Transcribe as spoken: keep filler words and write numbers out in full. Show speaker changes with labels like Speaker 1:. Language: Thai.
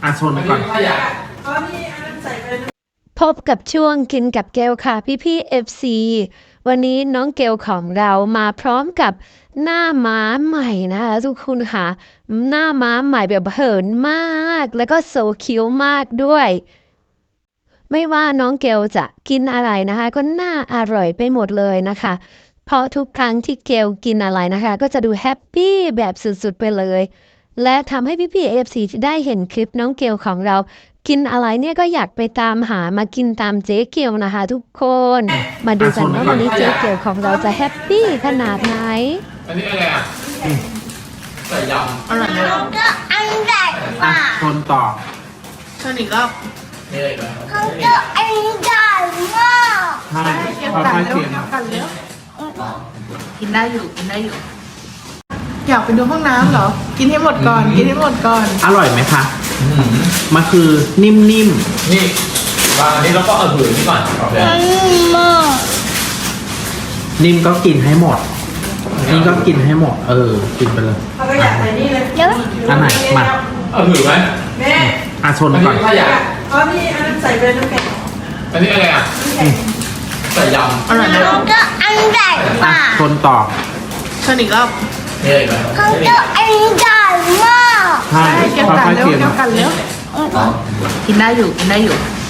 Speaker 1: อ่ะชนก่อน
Speaker 2: พบกับช่วงกินกับเกลค่ะพี่พี่เอฟซีวันนี้น้องเกลของเรามาพร้อมกับหน้าม้าใหม่นะคะทุกคนค่ะหน้าม้าใหม่แบบเหินมากแล้วก็โซคิ้วมากด้วยไม่ว่าน้องเกลจะกินอะไรนะคะก็น่าอร่อยไปหมดเลยนะคะเพราะทุกครั้งที่เกลกินอะไรนะคะก็จะดูแฮปปี้แบบสุดๆไปเลยและทำให้พี่พี่เอฟซีที่ได้เห็นคลิปน้องเกลของเรากินอะไรเนี่ยก็อยากไปตามหามากินตามเจ๊เกียวนะคะทุกคนมาดูกันว่าวันนี้เจ๊เกียวของเราจะแฮปปี้ขนาดไหน
Speaker 3: อันนี้อะไรอ่ะใส่ยำอร่อยไหม
Speaker 4: เขาก็อันใหญ่ก
Speaker 1: อ่ะ
Speaker 4: ว่า
Speaker 1: ชนต่อ
Speaker 3: ชนอีกรอบนี่อะไรกัน
Speaker 4: เขาก็อันใหญ่มาก
Speaker 1: ใช่ค่อยๆเคี่ยว
Speaker 3: กันแล้วกินได้อยู่กินได้อยู่อยากไปดูห้องน้ำเหรอกินให้หมดก่อนกินให้หมดก่อน
Speaker 1: อร่อยไหมคะมันคือนิ่ม
Speaker 5: นี่วางอันนี้แล้วก็เอาผืนนี่ก่อน
Speaker 4: อันมาก
Speaker 1: ๆนิ่มก็กินให้หมดนี่ก็กินให้หมด เออ กินไปเลย
Speaker 4: เดี๋ยว
Speaker 1: อันไหนมา
Speaker 5: เอาผืนไหม
Speaker 6: แม่
Speaker 1: อ่ะชน
Speaker 5: อัน
Speaker 1: ก่
Speaker 5: นี้
Speaker 1: อน
Speaker 5: ถ้าอยาก
Speaker 6: เอานี่อันนั้นใส่ไปน้ำแข็ง
Speaker 5: อันนี้อะไรอ่ะใส่ยำ
Speaker 3: อร่อยไหม
Speaker 4: เขาก็อันใหญ่ก
Speaker 1: อ่ะ
Speaker 4: ว่า
Speaker 1: ชนต่อ
Speaker 3: ชนอีกรอบ
Speaker 5: นี่อะไรกัน
Speaker 4: เขาก็อันใหญ่มาก
Speaker 1: ใช่
Speaker 3: เกี่ยว
Speaker 1: ค่
Speaker 3: กัน
Speaker 1: อยๆ
Speaker 3: เร็ว
Speaker 1: เคี่ยว
Speaker 3: เกี่ยวกันเร็วกินได้อยู่กินได้อยู่